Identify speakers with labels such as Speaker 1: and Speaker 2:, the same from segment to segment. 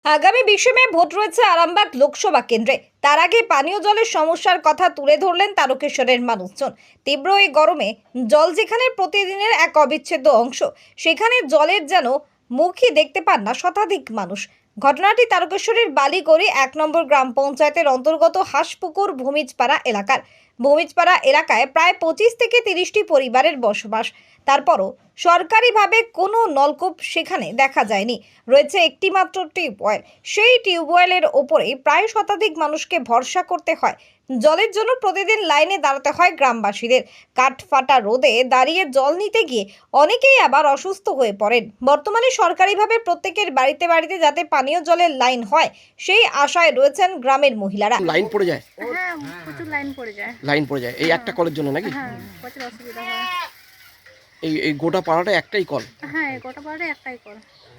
Speaker 1: আগামী 20 মে ভোট রয়েছে আরামবাগ লোকসভা কেন্দ্রে। তার আগে পানীয় জলের সমস্যার কথা তুলে ধরলেন তারকেশ্বরের মানুষজন। তীব্র এই গরমে জল যেখানে প্রতিদিনের এক অবিচ্ছেদ্য অংশ, সেখানে জলের যেন মুখই দেখতে পান না শতাধিক মানুষ। ঘটনাটি তারকেশ্বরের বালিগড়ি 1 নম্বর গ্রাম পঞ্চায়েতের অন্তর্গত হাঁসপুকুর ভূমিজপাড়া এলাকার। ভূমিজপাড়া এলাকায় প্রায় 25 থেকে 30টি পরিবারের বসবাস। তারপরও সরকারিভাবে কোনো নলকূপ সেখানে দেখা যায়নি। রয়েছে একটি মাত্র টিউবওয়েল। সেই টিউবওয়েলের ওপরেই প্রায় শতাধিক মানুষকে ভরসা করতে হয়। জলের জন্য প্রতিদিন লাইনে দাঁড়াতে হয় গ্রামবাসীদের। কাঠফাটা রোদে দাঁড়িয়ে জল নিতে গিয়ে অনেকেই আবার অসুস্থ হয়ে পড়েন। বর্তমানে সরকারিভাবে প্রত্যেকের বাড়িতে বাড়িতে যাতে পানীয় জলের লাইন হয়, সেই আশায় রয়েছেন গ্রামের মহিলারা।
Speaker 2: লাইন পড়ে যায়,
Speaker 3: হ্যাঁ, প্রচুর লাইন পড়ে যায়।
Speaker 2: লাইন পড়ে যায় এই একটা কলের জন্য নাকি?
Speaker 3: হ্যাঁ, প্রচুর অসুবিধা হয়।
Speaker 2: এই এই গোটা পাড়াটা একটাই কল?
Speaker 3: হ্যাঁ, এই গোটা পাড়ায় একটাই কল।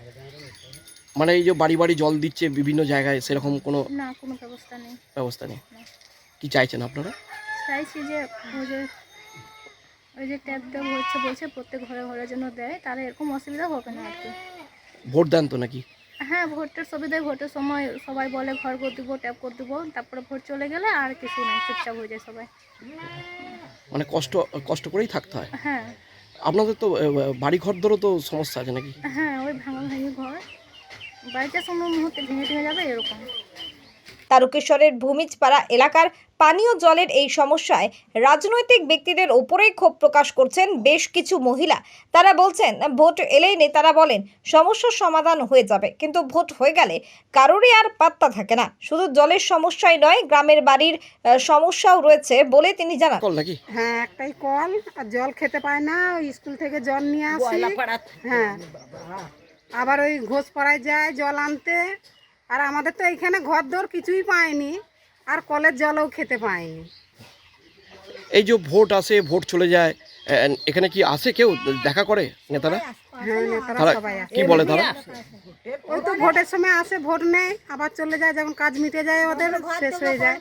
Speaker 2: মানে এই যে বাড়ি বাড়ি জল দিচ্ছে বিভিন্ন জায়গায়, সেরকম কোনো
Speaker 3: না, কোনো ব্যবস্থা নেই।
Speaker 2: ব্যবস্থা নেই। কি চাইছেন আপনারা?
Speaker 3: চাইছি যে ওই যে ট্যাপ দেওয়া হচ্ছে, বলছে প্রত্যেক ঘরে ঘরের জন্য দেয়, তাহলে এরকম অসুবিধা হবে না আর কি।
Speaker 2: ভোট দেন তো নাকি?
Speaker 3: হ্যাঁ, ভোটের সুবিধায় ভোটের সময় সবাই বলে ঘর করে দেবো, ট্যাপ করে দেবো, তারপরে ভোট চলে গেলে আর কিছু নাই, চুপচাপ হয়ে যায় সবাই।
Speaker 2: মানে কষ্ট কষ্ট করেই থাকতে হয়।
Speaker 3: হ্যাঁ
Speaker 2: আপনাদের তো বাড়ি ঘরদেরও তো সমস্যা আছে নাকি?
Speaker 3: হ্যাঁ, ওই ভাঙা ভাঙি ঘর, বাড়িতে সময় মুহূর্তে ভেঙে ভেঙে যাবে এরকম।
Speaker 1: তারকেশ্বরের ভূমিজপাড়া এলাকার পানীয় জলের এই সমস্যায় রাজনৈতিক ব্যক্তিদের ওপরেই ক্ষোভ প্রকাশ করছেন বেশ কিছু মহিলা। তারা বলছেন, ভোট এলেই নেতারা বলেন সমস্যার সমাধান হয়ে যাবে, কিন্তু ভোট হয়ে গেলে কারোরই আর পাত্তা থাকে না। শুধু জলের সমস্যাই নয়, গ্রামের বাড়ির সমস্যাও রয়েছে বলে তিনি জানান।
Speaker 2: কল নাকি?
Speaker 4: হ্যাঁ, একটাই কল, আর জল খেতে পায় না। ওই স্কুল থেকে জল নিয়ে আসি। হ্যাঁ, আবার ওই ঘোষপাড়ায় যায় জল আনতে। আর আমাদের তো এখানে ঘর দর কিছুই পায়নি, আর কলের জলও খেতে পায়নি।
Speaker 2: এই যে ভোট আসে, ভোট চলে যায়, এখানে কি আসে কেউ দেখা করে নেতারা?
Speaker 4: হ্যাঁ, নেতারা
Speaker 2: তারা
Speaker 4: সবাই আসে।
Speaker 2: কি বলে তারা?
Speaker 4: ওই তো ভোটের সময় আসে, ভোট নেয়, আবার চলে যায়, যখন কাজ মিটে যায় ওদের, শেষ হয়ে যায়।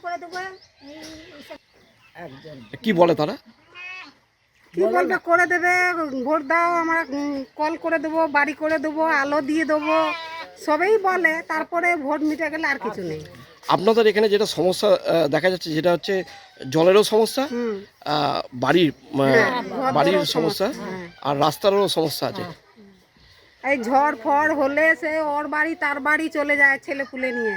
Speaker 2: কি বলে তারা?
Speaker 4: কি বলবে, করে দেবে, ভোট দাও, আমরা কল করে দেবো, বাড়ি করে দেবো, আলো দিয়ে দেবো, সবই বলে। তারপরে ভোট মিটে গেলে আর কিছু নেই।
Speaker 2: আপনাদের এখানে যেটা সমস্যা দেখা যাচ্ছে, যেটা হচ্ছে জলেরও সমস্যা, বাড়ির বাড়ির সমস্যা, আর রাস্তারও সমস্যা আছে।
Speaker 4: এই ঝড় ফড় হলে সে ওর বাড়ি তার বাড়ি চলে যায় ছেলে পুলে নিয়ে।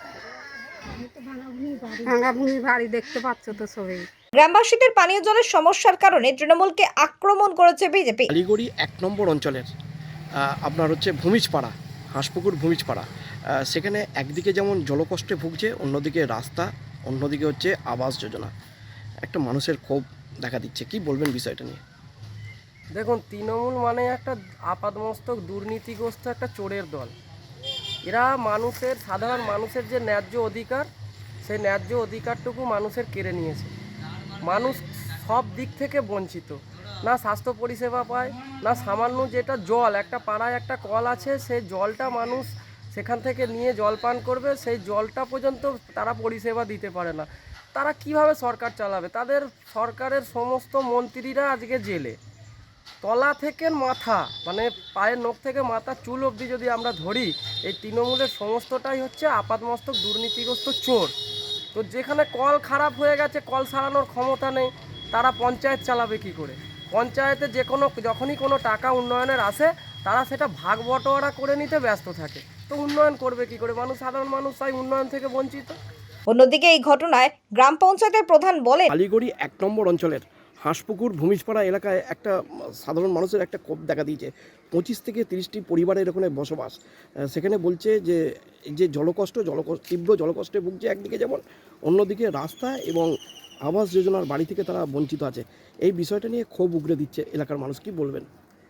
Speaker 4: ভাঙা ভূমি বাড়ি দেখতে পাচ্ছ তো সবাই।
Speaker 1: গ্রামবাসীদের পানীয় জলের সমস্যার কারণে তৃণমূলকে আক্রমণ করেছে বিজেপি।
Speaker 2: বালিগড়ি 1 নম্বর অঞ্চলের আপনার হচ্ছে ভূমিজপাড়া, হাঁসপুকুর ভূমিজপাড়া, সেখানে একদিকে যেমন জলকষ্টে ভুগছে, অন্যদিকে রাস্তা, অন্যদিকে হচ্ছে আবাস যোজনা। একটা মানুষের ক্ষোভ দেখা দিচ্ছে। কি বলবেন বিষয়টা নিয়ে?
Speaker 5: দেখুন, তৃণমূল মানে একটা আপাদমস্তক দুর্নীতিগ্রস্ত একটা চোরের দল। এরা মানুষের, সাধারণ মানুষের যে ন্যায্য অধিকার, সেই ন্যায্য অধিকারটুকু মানুষের কেড়ে নিয়েছে। মানুষ সব দিক থেকে বঞ্চিত, না স্বাস্থ্য পরিষেবা পায়, না সামান্য যেটা জল, একটা পাড়ায় একটা কল আছে, সেই জলটা মানুষ সেখান থেকে নিয়ে জল পান করবে, সেই জলটা পর্যন্ত তারা পরিষেবা দিতে পারে না। তারা কিভাবে সরকার চালাবে? তাদের সরকারের সমস্ত মন্ত্রীরা আজকে জেলে। তলা থেকে মাথা, মানে পায়ের নখ থেকে মাথা চুল অবধি যদি আমরা ধরি, এই তৃণমূলের সমস্তটাই হচ্ছে আপাতমস্তক দুর্নীতিগ্রস্ত চোর। তো যেখানে কল খারাপ হয়ে গেছে, কল সারানোর ক্ষমতা নেই, তারা পঞ্চায়েত চালাবে কি করে? পঞ্চায়েতে যখনই কোনো টাকা উন্নয়নের আসে, তারা সেটা ভাগ বটোয়ারা করে নিতে ব্যস্ত থাকে। তো উন্নয়ন করবে কি করে? সাধারণ মানুষ তাই উন্নয়ন থেকে বঞ্চিত।
Speaker 1: অন্যদিকে এই ঘটনায় গ্রাম পঞ্চায়েতের প্রধান বলেন,
Speaker 2: বালিগড়ি 1 নম্বর অঞ্চলের হাঁসপুকুর ভূমিজপাড়া এলাকায় একটা সাধারণ মানুষের একটা ক্ষোভ দেখা দিয়েছে। 25 থেকে 30টি পরিবারের ওখানে বসবাস। সেখানে বলছে যে এই যে তীব্র জলকষ্টে ভুগছে একদিকে যেমন, অন্যদিকে রাস্তা এবং আবাস যোজনার বাড়ি থেকে তারা বঞ্চিত আছে। এই বিষয়টা নিয়ে ক্ষোভ উগরে দিচ্ছে এলাকার মানুষ। কি বলবেন?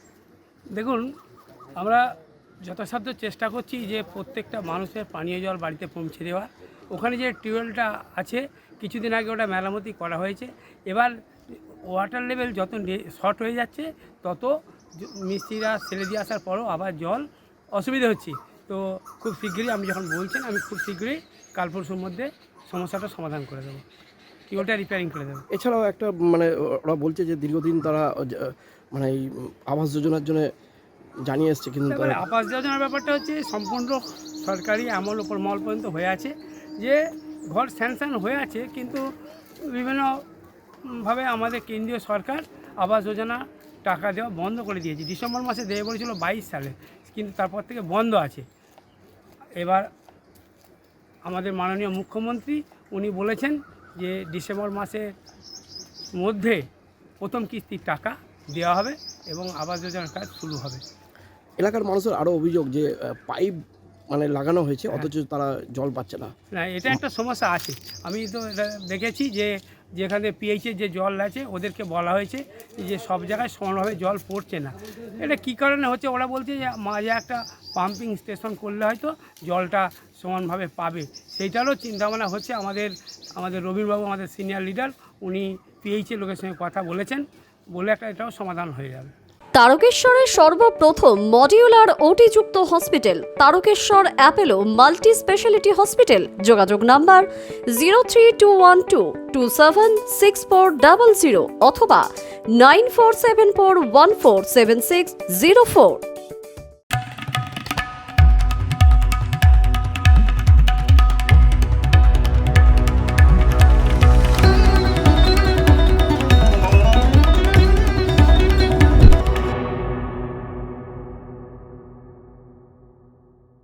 Speaker 6: দেখুন, আমরা যথাসাধ্য চেষ্টা করছি যে প্রত্যেকটা মানুষের পানীয় জল বাড়িতে পৌঁছে দেওয়া। ওখানে যে টিউবওয়েলটা আছে, কিছুদিন আগে ওটা মেরামতি করা হয়েছে। এবার ওয়াটার লেভেল যত শর্ট হয়ে যাচ্ছে, তত মিস্ত্রিরা ছেড়ে দিয়ে আসার পরও আবার জল অসুবিধা হচ্ছে। তো খুব শীঘ্রই, আপনি যখন বলছেন, আমি খুব শীঘ্রই কাল পরশুর মধ্যে সমস্যাটা সমাধান করে দেবো, টিউবওয়েলটা রিপেয়ারিং করে দেবো।
Speaker 2: এছাড়াও একটা মানে ওরা বলছে যে দীর্ঘদিন তারা মানে এই আবাস যোজনার জন্য জানিয়ে এসছে, কিন্তু
Speaker 6: তারপরে আবাস যোজনার ব্যাপারটা হচ্ছে সম্পূর্ণ সরকারি আমল ওপর মল পর্যন্ত হয়ে আছে যে ঘর স্যাংশন হয়ে আছে, কিন্তু বিভিন্নভাবে আমাদের কেন্দ্রীয় সরকার আবাস যোজনা টাকা দেওয়া বন্ধ করে দিয়েছে। ডিসেম্বর মাসে দেবে বলেছিল 22 সালে, কিন্তু তারপর থেকে বন্ধ আছে। এবার আমাদের মাননীয় মুখ্যমন্ত্রী উনি বলেছেন যে ডিসেম্বর মাসের মধ্যে প্রথম কিস্তির টাকা দেওয়া হবে এবং আবাস যোজনার কাজ শুরু হবে।
Speaker 2: এলাকার মানুষের আরও অভিযোগ যে পাইপ মানে লাগানো হয়েছে, অথচ তারা জল পাচ্ছে না।
Speaker 6: না, এটা একটা সমস্যা আছে। আমি তো এটা দেখেছি যে যেখানে পিএইচের যে জল আছে ওদেরকে বলা হয়েছে যে সব জায়গায় সমানভাবে জল পড়ছে না। এটা কী কারণে হচ্ছে ওরা বলছে যে মাঝে একটা পাম্পিং স্টেশন করলে হয়তো জলটা সমানভাবে পাবে, সেইটারও চিন্তাভাবনা হচ্ছে। আমাদের রবিবাবু, আমাদের সিনিয়র লিডার, উনি পিএইচের লোকের সঙ্গে কথা বলেছেন, বলে একটা এটাও সমাধান হয়ে যাবে।
Speaker 7: তারকেশ্বরের সর্বপ্রথম মডিউলার ওটি-যুক্ত hospital Tarakeswar Apollo multi speciality hospital. যোগাযোগ নাম্বার 03212276400 অথবা 9474147604।